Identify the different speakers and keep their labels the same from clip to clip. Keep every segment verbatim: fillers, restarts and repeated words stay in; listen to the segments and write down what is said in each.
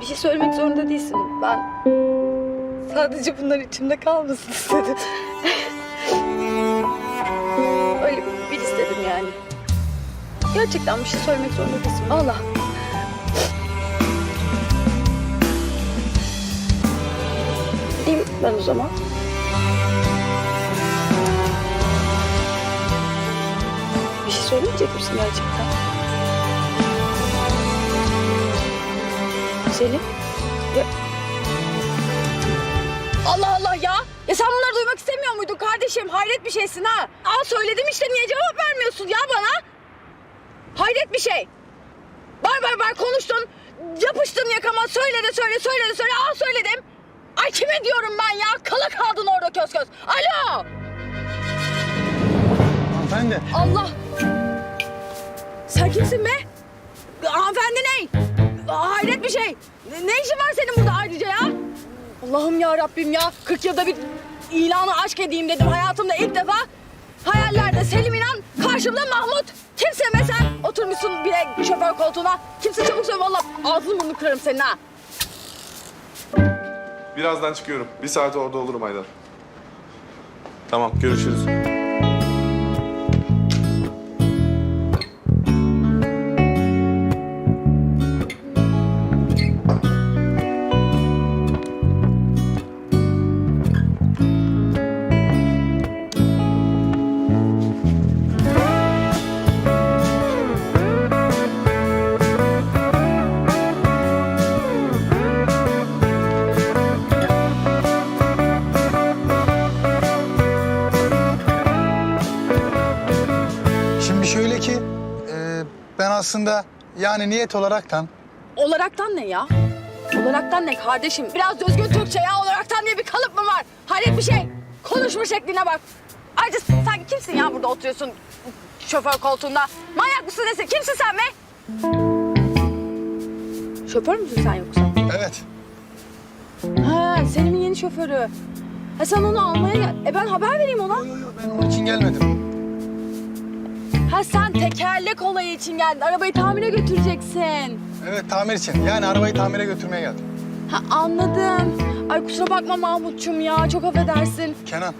Speaker 1: bir şey söylemek zorunda değilsin. Ben sadece bunlar içimde kalmasın istedim. Öyle bir istedim yani. Gerçekten bir şey söylemek zorunda değilsin. Allah. Gideyim ben o zaman. Bir şey söylemeyecek misin gerçekten? Selim? Ya... Allah Allah ya! Ya sen bunları duymak istemiyor muydun kardeşim? Hayret bir şeysin ha! Aa söyledim işte, niye cevap vermiyorsun ya bana? Hayret bir şey! Bar bar bar konuştun, yapıştın yakama, söyle de söyle, söyle de söyle, aa söyledim! Ay kime diyorum ben ya? Kala kaldın orada köz köz! Alo!
Speaker 2: Hanımefendi.
Speaker 1: Allah! Sen kimsin be? Hanımefendi ne? Hayret bir şey. Ne, ne işin var senin burada ayrıca ya? Allah'ım ya Rabbim ya. kırk yılda bir ilanı aşk edeyim dedim hayatımda ilk defa. Hayallerde Selim İnan, karşımda Mahmut. Kimsin be sen? Oturmuşsun bile şoför koltuğuna. Kimse çabuk söyle vallahi ağzını burnunu kırarım senin ha.
Speaker 3: Birazdan çıkıyorum. Bir saat orada olurum Aydan. Tamam, görüşürüz.
Speaker 2: Şimdi şöyle ki e, ben aslında yani niyet olaraktan
Speaker 1: Olaraktan ne ya? Olaraktan ne kardeşim? Biraz düzgün Türkçe ya. Olaraktan diye bir kalıp mı var? Hayret bir şey. Konuşma şekline bak. Ayrıca sen kimsin ya burada oturuyorsun şoför koltuğunda? Manyak mısın nesin? Kimsin sen be? Şoför müsün sen yoksa?
Speaker 2: evet.
Speaker 1: Ha, Selim'in yeni şoförü. Ha sen onu almaya gel. E ben haber vereyim ona.
Speaker 2: Yok yok ben onun için gelmedim.
Speaker 1: Ha sen tekerlek olayı için geldin. Arabayı tamire götüreceksin.
Speaker 2: Evet tamir için yani arabayı tamire götürmeye geldim.
Speaker 1: Ha anladım. Ay kusura bakma Mahmutçum ya. Çok affedersin.
Speaker 2: Kenan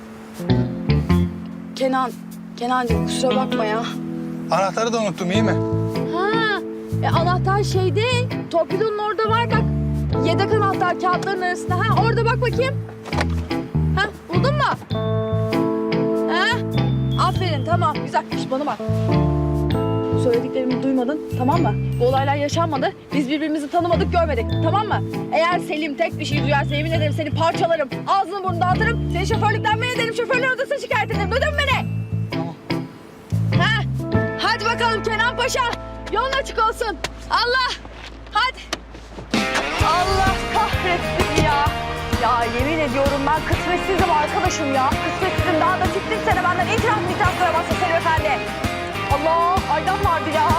Speaker 1: Kenan, Kenancığım kusura bakma ya.
Speaker 2: anahtarı da unuttum iyi mi?
Speaker 1: Ha, e, anahtar şeyde, torpidonun orada var bak. Yedek anahtar kağıtların arasında. Ha, orada bak bakayım. Ha, buldun mu? Ha, aferin tamam güzel. Şş, bana bak. Söylediklerimi duymadın tamam mı? Bu olaylar yaşanmadı. Biz birbirimizi tanımadık, görmedik tamam mı? Eğer Selim tek bir şey duyarsa yemin ederim seni parçalarım. Ağzını burnunu dağıtırım. Seni şoförlükten men ederim. Şoförler odasına şikayet ederim. Duydun mu beni?
Speaker 2: Tamam.
Speaker 1: Ha, hadi bakalım Kenan Paşa. Yolun açık olsun. Allah. Hadi. Allah kahretsin ya. Ya yemin ediyorum ben kısmetsizim arkadaşım ya. Kısmetsizim. Daha da çıktın sene benden itiraf itiraf duramazsın Selim Efendi. Allah Aydan vardı ya.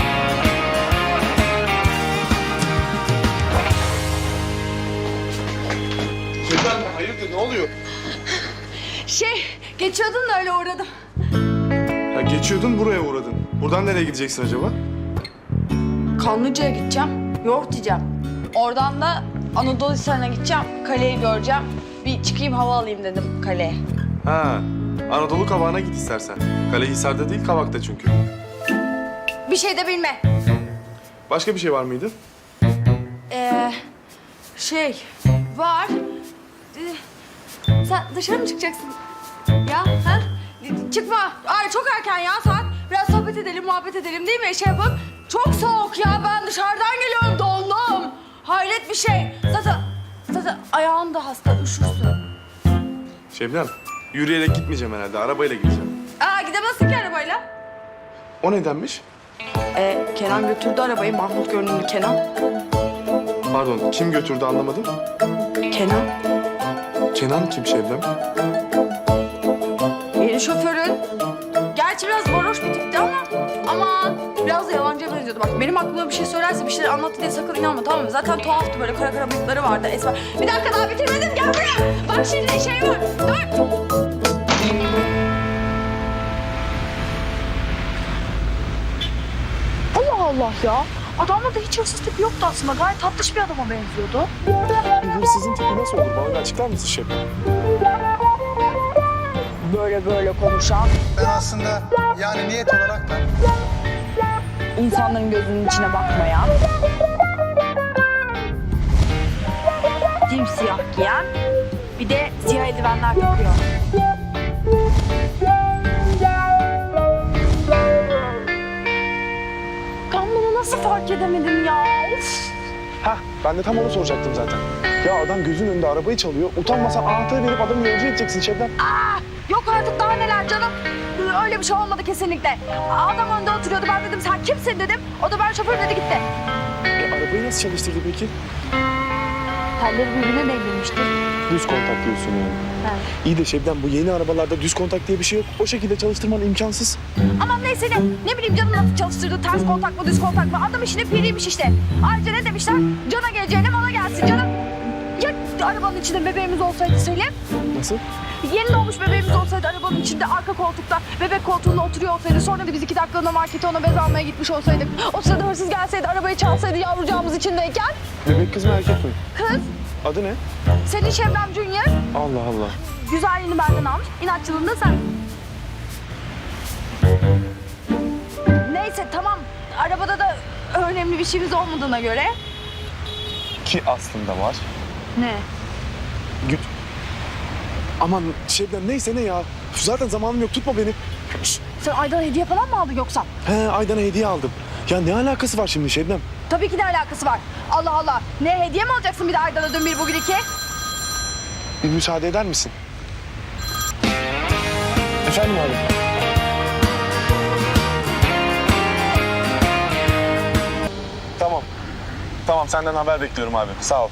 Speaker 3: Şebnem, hayırdır, ne oluyor?
Speaker 1: Şey geçiyordun da öyle uğradım.
Speaker 3: Ya geçiyordun, buraya uğradın. Buradan nereye gideceksin acaba?
Speaker 1: Kanlıca'ya gideceğim. Yoğurt yiyeceğim. Oradan da Anadolu Hisarı'na gideceğim. Kaleyi göreceğim. Bir çıkayım hava alayım dedim kaleye.
Speaker 3: Ha, Anadolu Kavağı'na git istersen. Kalehisar'da değil, Kavak'ta çünkü.
Speaker 1: Bir şey de bilme.
Speaker 3: Başka bir şey var mıydı?
Speaker 1: Ee, şey var. Ee, sen dışarı mı çıkacaksın? Ya ha? Çıkma. Ay çok erken ya saat. Biraz sohbet edelim, muhabbet edelim değil mi? Şey yapıp. Çok soğuk ya. Ben dışarıdan geliyorum. Dondum. Hayret bir şey. Zaten zaten ayağın da hasta. Üşürsün.
Speaker 3: Şebnem, yürüyerek gitmeyeceğim herhalde, arabayla gideceğim.
Speaker 1: Aa gidemezsin ki arabayla.
Speaker 3: O nedenmiş?
Speaker 1: Ee, Kenan götürdü arabayı. Mahmut görünümlü Kenan.
Speaker 3: Pardon, kim götürdü anlamadım.
Speaker 1: Kenan.
Speaker 3: Kenan kim Şebnem?
Speaker 1: Yeni şoförün. Gerçi biraz varoş bir tipti ama aman biraz da yalancıya benziyordu. Bak benim aklıma bir şey söylerse bir şeyler anlattı diye sakın inanma tamam mı? Zaten tuhaftı böyle kara kara bıyıkları vardı esmer. Bir dakika daha bitirmedim gel buraya. Bak şimdi şey var. Dur. Allah Allah ya. Adamda da hiç hırsız tipi yoktu aslında. Gayet tatlış bir adama benziyordu.
Speaker 4: Bir hırsızın tipi nasıl olur? Bana da açıklar mısın şef?
Speaker 1: Böyle böyle konuşan,
Speaker 2: Ben aslında yani niyet olarak da
Speaker 1: insanların gözünün içine bakmayan, simsiyah giyen, bir de siyah eldivenler takıyor. Ben bunu nasıl fark edemedim ya? Of.
Speaker 4: Hah, ben de tam onu soracaktım zaten. Ya adam gözün önünde arabayı çalıyor. Utanmasan anahtarı verip adamı yolcu edeceksin Şebnem.
Speaker 1: Yok artık daha neler canım. Öyle bir şey olmadı kesinlikle. Adam önde oturuyordu. Ben dedim sen kimsin dedim. O da ben şoför dedi gitti.
Speaker 4: E, arabayı nasıl çalıştırdı peki?
Speaker 1: Telleri birbirine değdirmiştir.
Speaker 4: Düz kontak diyorsun yani.
Speaker 1: Evet.
Speaker 4: İyi de Şebnem bu yeni arabalarda düz kontak diye bir şey yok. O şekilde çalıştırman imkansız.
Speaker 1: Aman neyse ne. Ne bileyim canım nasıl çalıştırdı. Ters kontak mı düz kontak mı? Adam işine piriymiş işte. Ayrıca ne demişler? Cana geleceğine mala gelsin canım. Ya arabanın içinde bebeğimiz olsaydı Selim?
Speaker 4: Nasıl?
Speaker 1: Yeni doğmuş bebeğimiz olsaydı arabanın içinde arka koltukta bebek koltuğunda oturuyor olsaydı sonra da biz iki dakikalığına markete ona bez almaya gitmiş olsaydık. O sırada hırsız gelseydi arabayı çalsaydı yavrucağımız içindeyken.
Speaker 4: Bebek kız mı erkek mi?
Speaker 1: Kız
Speaker 4: Adı ne?
Speaker 1: senin Şebnem Junior
Speaker 4: Allah Allah.
Speaker 1: güzelliğini benden almış inatçılığını da sen. Neyse tamam arabada da önemli bir şeyimiz olmadığına göre.
Speaker 4: Ki aslında var.
Speaker 1: Ne?
Speaker 4: Güt. Aman Şebnem neyse ne ya. Zaten zamanım yok tutma beni.
Speaker 1: Sen Aydan hediye falan mı aldın yoksa?
Speaker 4: He Aydan'a hediye aldım. Ya ne alakası var şimdi Şebnem?
Speaker 1: Tabii ki de alakası var. Allah Allah. Ne hediye mi alacaksın bir de Aydan'a dün bir bugün iki?
Speaker 4: Bir müsaade eder misin? Efendim abi? Tamam. Tamam senden haber bekliyorum abi. Sağ ol.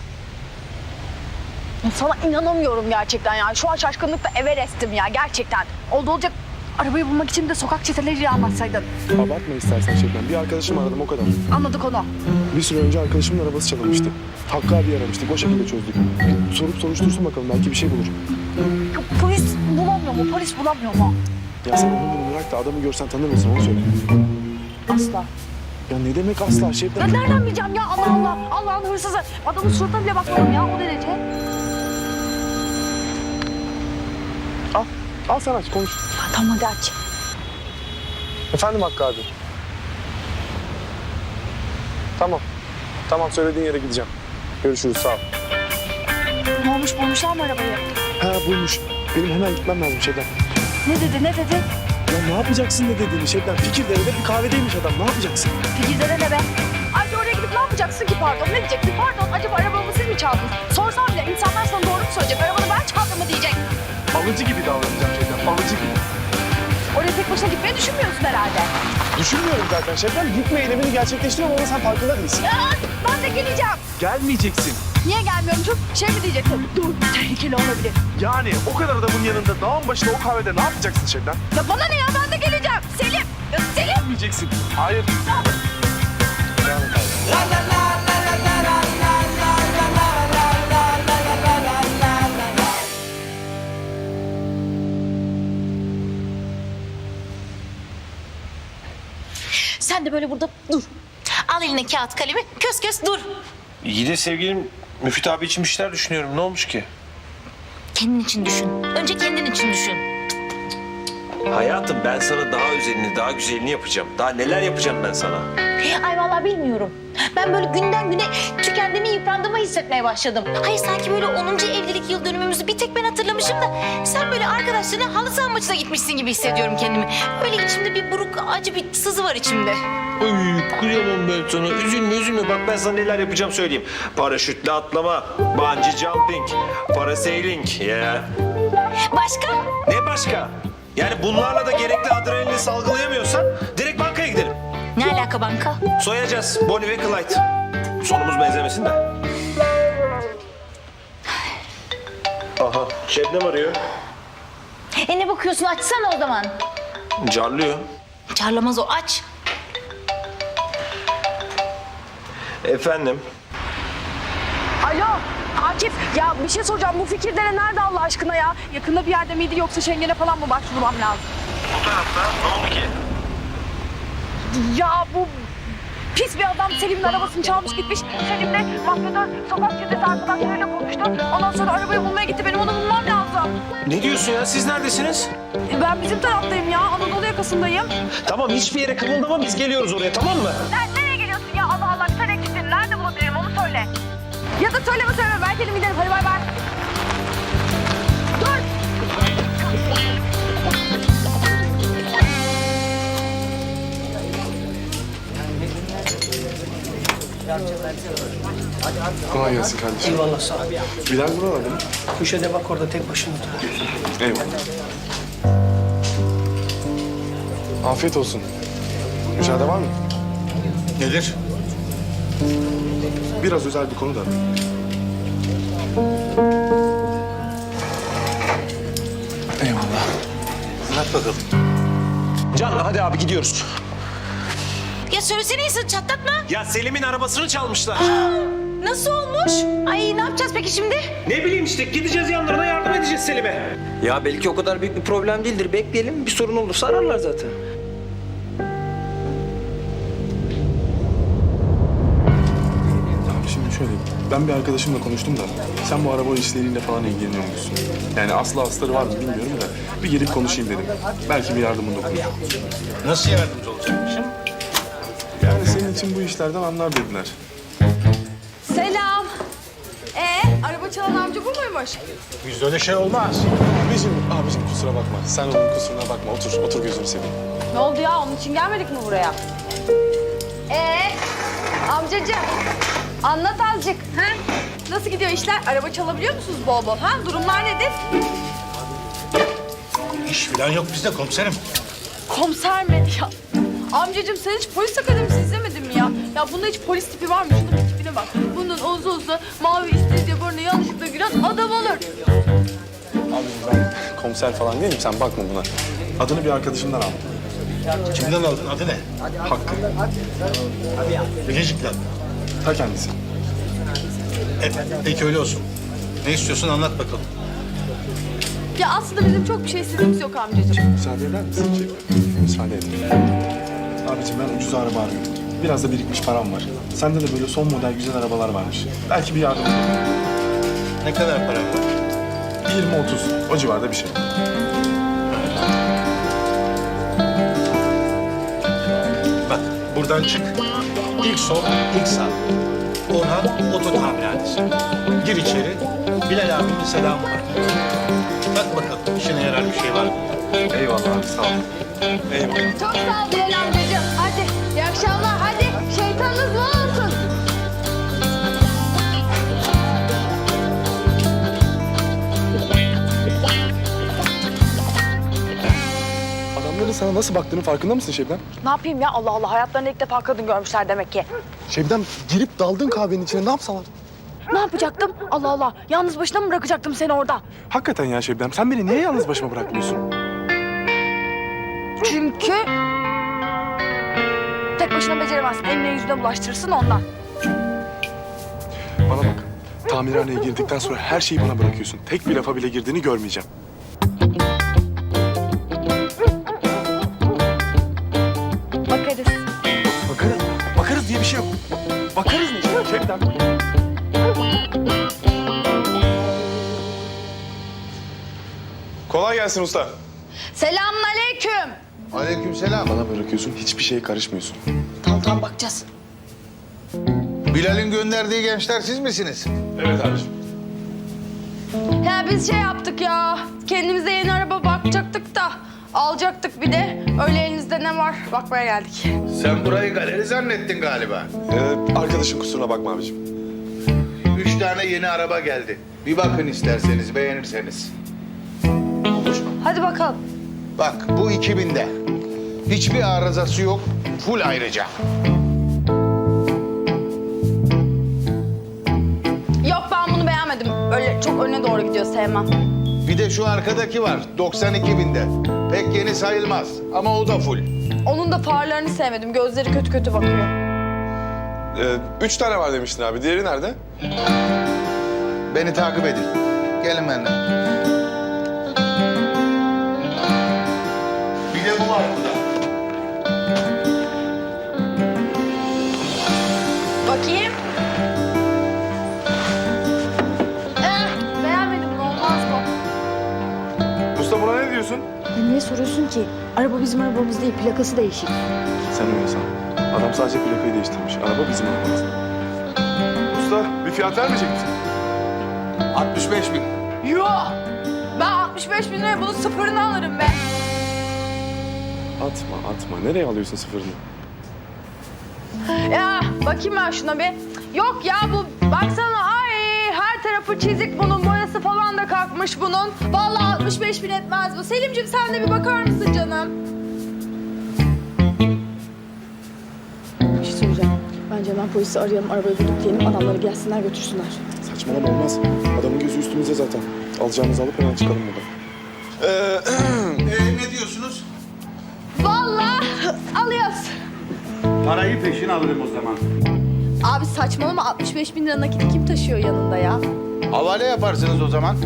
Speaker 1: Sana inanamıyorum gerçekten ya. Şu an şaşkınlıkla Everest'im ya gerçekten. Oldu olacak arabayı bulmak için de sokak çeteleriyle anlatsaydın.
Speaker 4: Abartma istersen Şebnem. Bir arkadaşımı aradım o kadar.
Speaker 1: Anladık onu.
Speaker 4: Bir süre önce arkadaşımın arabası çalınmıştı. Hakkı abi aramıştık. O şekilde çözdük. Bir sorup soruştursun bakalım. Belki bir şey bulur.
Speaker 1: Yok, polis bulamıyor mu? Polis bulamıyor mu?
Speaker 4: Ya sen onu bunu bırak da adamı görsen tanır mısın? Onu söyle.
Speaker 1: Asla.
Speaker 4: Ya ne demek asla
Speaker 1: Ya
Speaker 4: Şebnem?
Speaker 1: nereden bileceğim ya? Allah Allah. Allah'ın hırsızı. Adamın suratına bile bakmadım ya o derece.
Speaker 4: Al. Al sen aç konuş.
Speaker 1: Ya, tamam hadi aç.
Speaker 4: Efendim Hakkı abi. Tamam. Tamam söylediğin yere gideceğim. Görüşürüz sağ ol.
Speaker 1: Ne olmuş bulmuşlar mı arabayı?
Speaker 4: Ha bulmuş. Benim hemen gitmem lazım Şebnem.
Speaker 1: Ne dedi ne dedi?
Speaker 4: Ya ne yapacaksın ne dediğini Şebnem? Fikirdere'de bir kahvedeymiş adam. Ne yapacaksın?
Speaker 1: Fikirlere ne be? Ayrıca oraya gidip ne yapacaksın ki pardon? Ne diyeceksin? Pardon acaba arabamı siz mi çaldınız? Sorsam bile insanlar sana doğru mu söyleyecek? Arabanı ben çaldım mı diyecek.
Speaker 4: Alıcı gibi davranacağım Şebnem. Alıcı gibi.
Speaker 1: Oraya tek başına gitmeyi düşünmüyorsun herhalde.
Speaker 4: Düşünmüyorum zaten Şebnem. Gitme eylemini gerçekleştiriyorum ama sen farkında değilsin.
Speaker 1: Ya, ben de geleceğim.
Speaker 4: Gelmeyeceksin.
Speaker 1: Niye gelmiyorum çok? Şey mi diyeceksin? Dur tehlikeli olabilir.
Speaker 4: Yani o kadar adamın yanında dağın başında o kahvede ne yapacaksın Şebnem?
Speaker 1: Ya bana ne ya ben de geleceğim. Selim. Ya Selim.
Speaker 4: Gelmeyeceksin. Hayır. Devam et abi.
Speaker 5: Sen de böyle burada dur. Al eline kağıt kalemi, kös kös dur.
Speaker 6: İyi de sevgilim Müfit abi için bir şeyler düşünüyorum. Ne olmuş ki?
Speaker 5: Kendin için düşün. Önce kendin için düşün.
Speaker 6: Hayatım ben sana daha özelini, daha güzelini yapacağım. Daha neler yapacağım ben sana?
Speaker 5: Ay vallahi bilmiyorum. Ben böyle günden güne tükendiğimi, yıprandığımı hissetmeye başladım. Hayır sanki böyle onuncu evlilik yıl dönümümüzü bir tek ben hatırlamışım da... ...sen böyle arkadaşlarına halı saha maçına gitmişsin gibi hissediyorum kendimi. Böyle içimde bir buruk, acı bir sızı var içimde.
Speaker 6: Ay kıyamam ben sana. Üzülme üzülme. Bak ben sana neler yapacağım söyleyeyim. Paraşütle atlama, bungee jumping, parasailing. Ya.
Speaker 5: Başka?
Speaker 6: Ne başka? Yani bunlarla da gerekli adrenalini salgılayamıyorsan direkt bankaya gidelim.
Speaker 5: Ne alaka banka?
Speaker 6: Soyacağız Bonnie ve Clyde. Sonumuz benzemesin de. Aha Şebnem arıyor.
Speaker 5: E ne bakıyorsun? Açsana o zaman.
Speaker 6: Carlıyor.
Speaker 5: Çarlamaz o, aç.
Speaker 6: Efendim?
Speaker 1: Alo Akif ya bir şey soracağım. Bu Fikirdere nerede Allah aşkına ya? Yakında bir yerde miydi yoksa Şengen'e falan mı başvurmam lazım?
Speaker 6: Bu tarafta. Ne oldu ki?
Speaker 1: Ya bu pis bir adam adam Selim'in arabasını çalmış gitmiş. Selim de mafyatör sokak çetesi arkadaşlarıyla konuştu. Ondan sonra arabayı bulmaya gitti. Benim onu bulmam lazım.
Speaker 6: Ne diyorsun ya? Siz neredesiniz?
Speaker 1: E, Ben bizim taraftayım ya. Anadolu yakasındayım.
Speaker 6: Tamam hiçbir yere kımıldama biz geliyoruz oraya tamam mı?
Speaker 1: Sen nereye geliyorsun ya? Allah Allah sen eksiksin. Nerede bulabilirim onu söyle. Ya da söyleme söyleme. Ben kendim giderim. Hadi bay bay. Dur.
Speaker 3: Kolay gelsin kardeşim.
Speaker 7: Eyvallah sağ ol.
Speaker 3: Bilal buralarda mı?
Speaker 7: Köşede bak orada tek başına oturuyor.
Speaker 3: Eyvallah. Afiyet olsun. Müsaade var mı?
Speaker 8: Nedir?
Speaker 3: Biraz özel bir konu da. Eyvallah.
Speaker 8: Anlat bakalım.
Speaker 6: Can hadi abi gidiyoruz.
Speaker 5: Ya söylesene insan çatlatma.
Speaker 6: Ya Selim'in arabasını çalmışlar.
Speaker 5: Nasıl olmuş? Ay ne yapacağız peki şimdi?
Speaker 6: Ne bileyim işte gideceğiz yanlarına yardım edeceğiz Selim'e.
Speaker 7: Ya belki o kadar büyük bir problem değildir. Bekleyelim. Bir sorun olursa ararlar zaten.
Speaker 3: Abi şimdi şöyle, ben bir arkadaşımla konuştum da sen bu araba işleriyle falan ilgileniyor musun? Yani aslı astarı var mı bilmiyorum da bir gelip konuşayım dedim. Belki bir yardımın dokunur.
Speaker 8: Nasıl yardımcı olacakmışım?
Speaker 3: Yani senin için bu işlerden anlar dediler.
Speaker 1: Selam. Ee, araba çalan amca bu muymuş?
Speaker 8: Bizde öyle şey olmaz.
Speaker 3: Abicim, abicim kusura bakma. Sen onun kusuruna bakma. Otur, otur gözünü seveyim.
Speaker 1: Ne oldu ya? Onun için gelmedik mi buraya? Ee, amcacığım, anlat azıcık. Ha? Nasıl gidiyor işler? Araba çalabiliyor musunuz bol bol? Ha? Durumlar nedir?
Speaker 8: İş falan yok bizde komiserim.
Speaker 1: Komiser mi ya? Amcacığım sen hiç polis akademisi izlemedin mi ya? Ya bunda hiç polis tipi var mı? Şunun bir tipine bak. Bunun uzun uzun mavi istediği burnu yanlışlıkla giren adam olur.
Speaker 3: Abicim ben komiser falan değilim. Sen bakma buna. Adını bir arkadaşımdan aldım.
Speaker 8: Kimden aldın? Adı ne?
Speaker 3: Hakkı.
Speaker 8: Bilecik'ten.
Speaker 3: Ta kendisi.
Speaker 8: Evet, peki öyle olsun. Ne istiyorsun anlat bakalım.
Speaker 1: Ya aslında bizim çok bir şey istediğimiz yok amcacığım.
Speaker 3: Müsaade eder misin? Müsaade et. Abicim ben ucuz araba arıyorum. Biraz da birikmiş param var. Sende de böyle son model güzel arabalar varmış. Belki bir yardım olur.
Speaker 8: Ne kadar para var?
Speaker 3: yirmi otuz. O civarda bir şey.
Speaker 8: Bak buradan çık. İlk sol, ilk sağ. Orhan Oto Tamirhanesi. Gir içeri. Bilal abinin selamı var. Bak bakalım işine yarar bir şey var mı?
Speaker 3: Eyvallah abi sağ ol. Eyvallah.
Speaker 1: Çok sağ ol Bilal amcacığım. Hadi iyi akşamlar. Hadi şeytanınız bol olsun.
Speaker 3: Adamların sana nasıl baktığının farkında mısın Şebnem?
Speaker 1: Ne yapayım ya? Allah Allah. Hayatlarında ilk defa kadın görmüşler demek ki.
Speaker 3: Şebnem girip daldın kahvenin içine ne yapsalar?
Speaker 1: Ne yapacaktım? Allah Allah. Yalnız başına mı bırakacaktım seni orada?
Speaker 3: Hakikaten ya Şebnem sen beni niye yalnız başıma bırakmıyorsun?
Speaker 1: Çünkü tek başına beceremezsin. Eline yüzüne bulaştırırsın ondan.
Speaker 3: Bana bak. Tamirhaneye girdikten sonra her şeyi bana bırakıyorsun. Tek bir lafa bile girdiğini görmeyeceğim.
Speaker 1: Bakarız.
Speaker 3: Bakarız. Bakarız diye bir şey yok. Bakarız mı? Şebnem. Kolay gelsin usta.
Speaker 1: Selamun aleyküm.
Speaker 2: Aleykümselam.
Speaker 3: Bana bırakıyorsun, hiçbir şeye karışmıyorsun.
Speaker 1: Tamam tamam bakacağız.
Speaker 2: Bilal'in gönderdiği gençler siz misiniz?
Speaker 3: Evet abiciğim.
Speaker 1: Ya biz şey yaptık ya. Kendimize yeni araba bakacaktık da alacaktık bir de. Öyle elinizde ne var bakmaya geldik.
Speaker 9: Sen burayı galeri zannettin galiba.
Speaker 3: Ee, arkadaşın kusuruna bakma abiciğim.
Speaker 9: Üç tane yeni araba geldi. Bir bakın isterseniz, beğenirseniz.
Speaker 1: Hadi bakalım.
Speaker 9: Bak bu iki binde. Hiçbir arızası yok, full ayrıca.
Speaker 1: Yok ben bunu beğenmedim. Öyle çok öne doğru gidiyor sevmem.
Speaker 9: Bir de şu arkadaki var, doksan iki binde. Pek yeni sayılmaz ama o da full.
Speaker 1: Onun da farlarını sevmedim. Gözleri kötü kötü bakıyor.
Speaker 3: Ee, üç tane var demiştin abi. Diğeri nerede?
Speaker 9: Beni takip edin. Gelin benden. Bir de bu var burada.
Speaker 1: niye soruyorsun ki? Araba bizim arabamız değil, plakası değişik.
Speaker 3: Sen öyle san. Adam sadece plakayı değiştirmiş. Araba bizim arabamız. Usta bir fiyat vermeyecek misin?
Speaker 9: altmış beş bin.
Speaker 1: Yok! Ben altmış beş bin liraya bunun sıfırını alırım be.
Speaker 3: Atma atma. Nereye alıyorsun sıfırını?
Speaker 1: Ya bakayım ben şuna bir. Yok ya bu baksana ay her tarafı çizik bunun boyası falan da kalkmış bunun. Vallahi altmış beş bin etmez bu. Selimciğim sen de bir bakar mısın canım? Bir şey söyleyeceğim. Bence hemen polisi arayalım, arabayı bulduk diyelim, adamları gelsinler götürsünler.
Speaker 3: Saçmalama olmaz. Adamın gözü üstümüzde zaten. Alacağımızı alıp hemen çıkalım buradan.
Speaker 9: Ee, ne diyorsunuz?
Speaker 1: Vallahi alıyoruz.
Speaker 9: Parayı peşin alırım o zaman.
Speaker 1: Abi saçmalama altmış beş bin lira nakiti kim taşıyor yanında ya?
Speaker 9: Havale yaparsınız o zaman.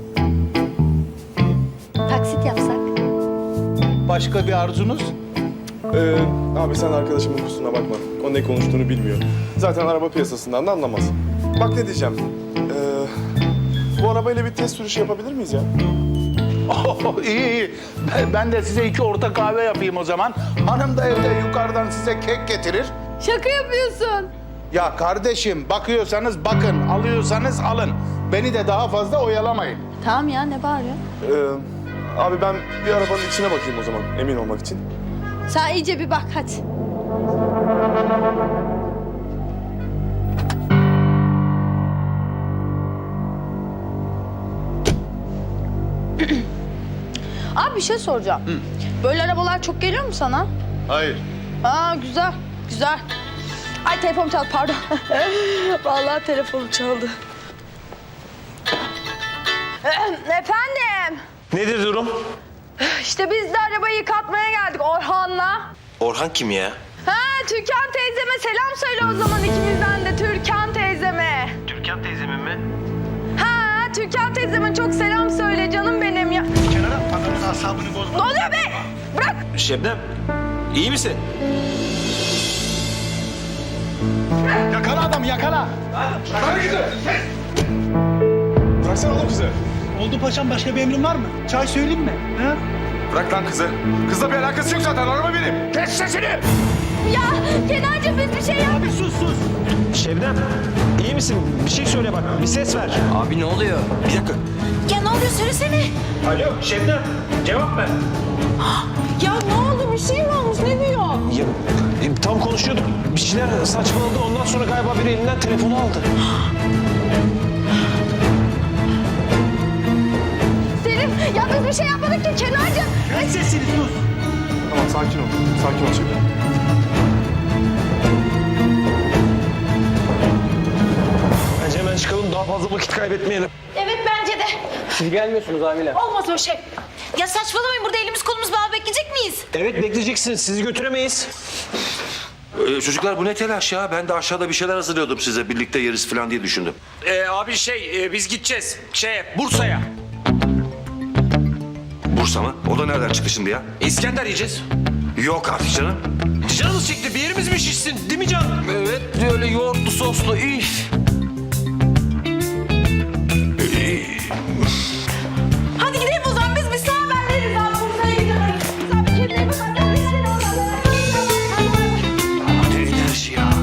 Speaker 1: Taksit yapsak.
Speaker 9: Başka bir arzunuz?
Speaker 3: Ee, abi sen arkadaşımın kusuruna bakma. O ne konuştuğunu bilmiyor. Zaten araba piyasasından da anlamaz. Bak ne diyeceğim. Ee, bu arabayla bir test sürüşü yapabilir miyiz ya?
Speaker 9: Oh, iyi iyi. Ben- Ben de size iki orta kahve yapayım o zaman. Hanım da evde yukarıdan size kek getirir.
Speaker 1: Şaka yapıyorsun.
Speaker 9: Ya kardeşim bakıyorsanız bakın, alıyorsanız alın. Beni de daha fazla oyalamayın.
Speaker 1: Tamam ya ne bağırıyor?
Speaker 3: Ee, abi ben bir arabanın içine bakayım o zaman emin olmak için.
Speaker 1: Sen iyice bir bak hadi. Abi bir şey soracağım. Böyle arabalar çok geliyor mu sana?
Speaker 9: Hayır.
Speaker 1: Aa güzel, güzel. Ay telefonum çaldı pardon. Vallahi telefonum çaldı. Efendim?
Speaker 6: Nedir durum?
Speaker 1: İşte biz de arabayı yıkatmaya geldik Orhan'la.
Speaker 6: Orhan kim ya?
Speaker 1: Ha Türkan teyzeme selam söyle o zaman ikimizden de Türkan teyzeme.
Speaker 6: Türkan teyzemin mi?
Speaker 1: Ha Türkan teyzeme çok selam söyle canım benim ya.
Speaker 9: Kenara patronun asabını bozma.
Speaker 1: Ne oluyor be? Bırak.
Speaker 6: Şebnem, iyi misin?
Speaker 4: Yakala adam yakala. Bıraksana oğlum kızı.
Speaker 8: Oldu paşam, başka bir emrin var mı? Çay söyleyeyim mi? Ha?
Speaker 3: Bırak lan kızı. Kızla bir alakası yok zaten. Araba benim.
Speaker 8: Kes sesini!
Speaker 1: Ya Kenarcığım biz bir şey yap.
Speaker 8: Abi sus sus!
Speaker 6: Şebnem, iyi misin? Bir şey söyle bak, bir ses ver.
Speaker 7: Abi ne oluyor?
Speaker 6: Bir dakika.
Speaker 5: Ya ne oluyor söylesene.
Speaker 6: Alo Şebnem, cevap ver.
Speaker 1: Ya ne oldu bir şey mi olmuş ne diyor?
Speaker 6: Ya, e, tam konuşuyorduk. Bir şeyler saçmaladı. Ondan sonra galiba biri elinden telefonu aldı.
Speaker 1: Selim ya biz bir şey yapmadık ki Kenarcığım.
Speaker 8: Kes sesini sus!
Speaker 3: Tamam sakin ol. Sakin ol Şebnem.
Speaker 6: Bence hemen çıkalım, daha fazla vakit kaybetmeyelim.
Speaker 5: Evet bence de.
Speaker 7: Siz gelmiyorsunuz amirim.
Speaker 5: Olmaz o şey. Ya saçmalamayın, burada elimiz kolumuz bağlı bekleyecek miyiz?
Speaker 6: Evet, bekleyeceksiniz. Sizi götüremeyiz.
Speaker 10: Ee, çocuklar bu ne telaş ya? Ben de aşağıda bir şeyler hazırlıyordum size. Birlikte yeriz falan diye düşündüm.
Speaker 7: Ee, abi şey, e, biz gideceğiz. Şeye, Bursa'ya.
Speaker 10: Bursa mı? O da nereden çıktı şimdi ya?
Speaker 7: İskender yiyeceğiz.
Speaker 10: Yok artık canım.
Speaker 7: Canımız çekti, bir yerimiz mi şişsin? Değil mi Can? Evet, öyle yoğurtlu soslu. Üf.
Speaker 5: Hadi gidelim o zaman, biz bir sağ haber veririz abi. Bursa'ya gidiyoruz. Sen bir kendine bak. Hadi biz seni oradan.
Speaker 10: Ne enerji ya?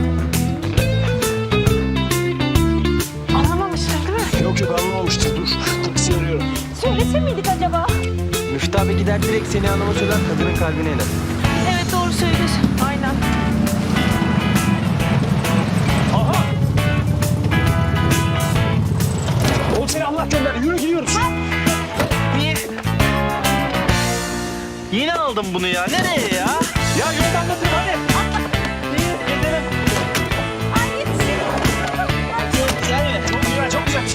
Speaker 5: Anlamamıştır değil mi?
Speaker 6: Yok yok, anlamamıştır. Dur, taksi arıyorum.
Speaker 1: Söylese miydik acaba?
Speaker 7: Müftü abi gider direkt seni anlama söyler, kadının kalbine iner.
Speaker 5: Evet doğru söylüyorsun. Aynen.
Speaker 6: Oğlum seni Allah gönder. Yürü gidiyoruz.
Speaker 8: Yine aldım bunu ya. Nereye ya?
Speaker 6: Ya yürü anlatın hadi. Çok güzel, çok güzel.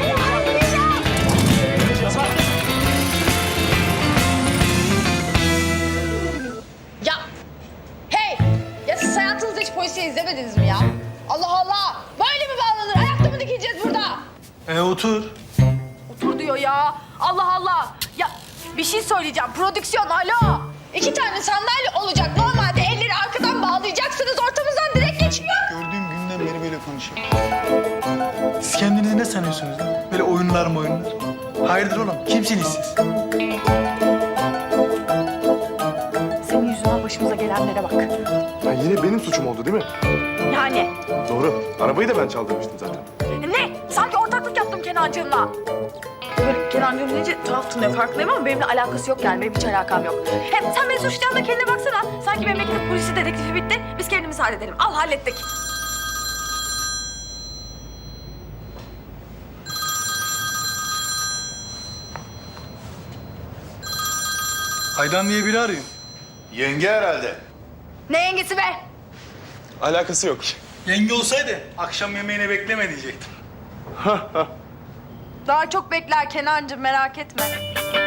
Speaker 1: Ya hey ya siz hayatınızda hiç polisiye izlemediniz mi ya? Allah Allah böyle mi bağlanır? Ayakta mı dikileceğiz burada?
Speaker 8: E otur.
Speaker 1: Otur diyor ya. Allah Allah. Ya bir şey söyleyeceğim. Prodüksiyon alo. İki tane sandalye olacak. Normalde elleri arkadan bağlayacaksınız. Ortamızdan direkt geçiyor.
Speaker 2: Gördüğüm günden beri böyle konuşuyor.
Speaker 8: Siz kendinizi ne sanıyorsunuz lan? Böyle oyunlar mı oyunlar? Hayırdır oğlum? Kimsiniz siz?
Speaker 4: yine benim suçum oldu değil mi?
Speaker 1: Yani.
Speaker 4: Doğru. Arabayı da ben çaldırmıştım zaten.
Speaker 1: Ne? Sanki ortaklık yaptım Kenancığımla. Böyle Kenancığım deyince tuhaf tınlıyor farkındayım ama benimle alakası yok yani. Benim hiç alakam yok. Hem sen beni suçlayan da kendine baksana. Sanki memleket polisi dedektifi bitti. Biz kendimiz halledelim. Al hallettik.
Speaker 2: Aydan diye biri arıyor.
Speaker 9: Yenge herhalde.
Speaker 1: Ne yengesi be?
Speaker 4: Alakası yok.
Speaker 2: Yenge olsaydı akşam yemeğine bekleme diyecektim.
Speaker 1: Daha çok bekler Kenancığım merak etme.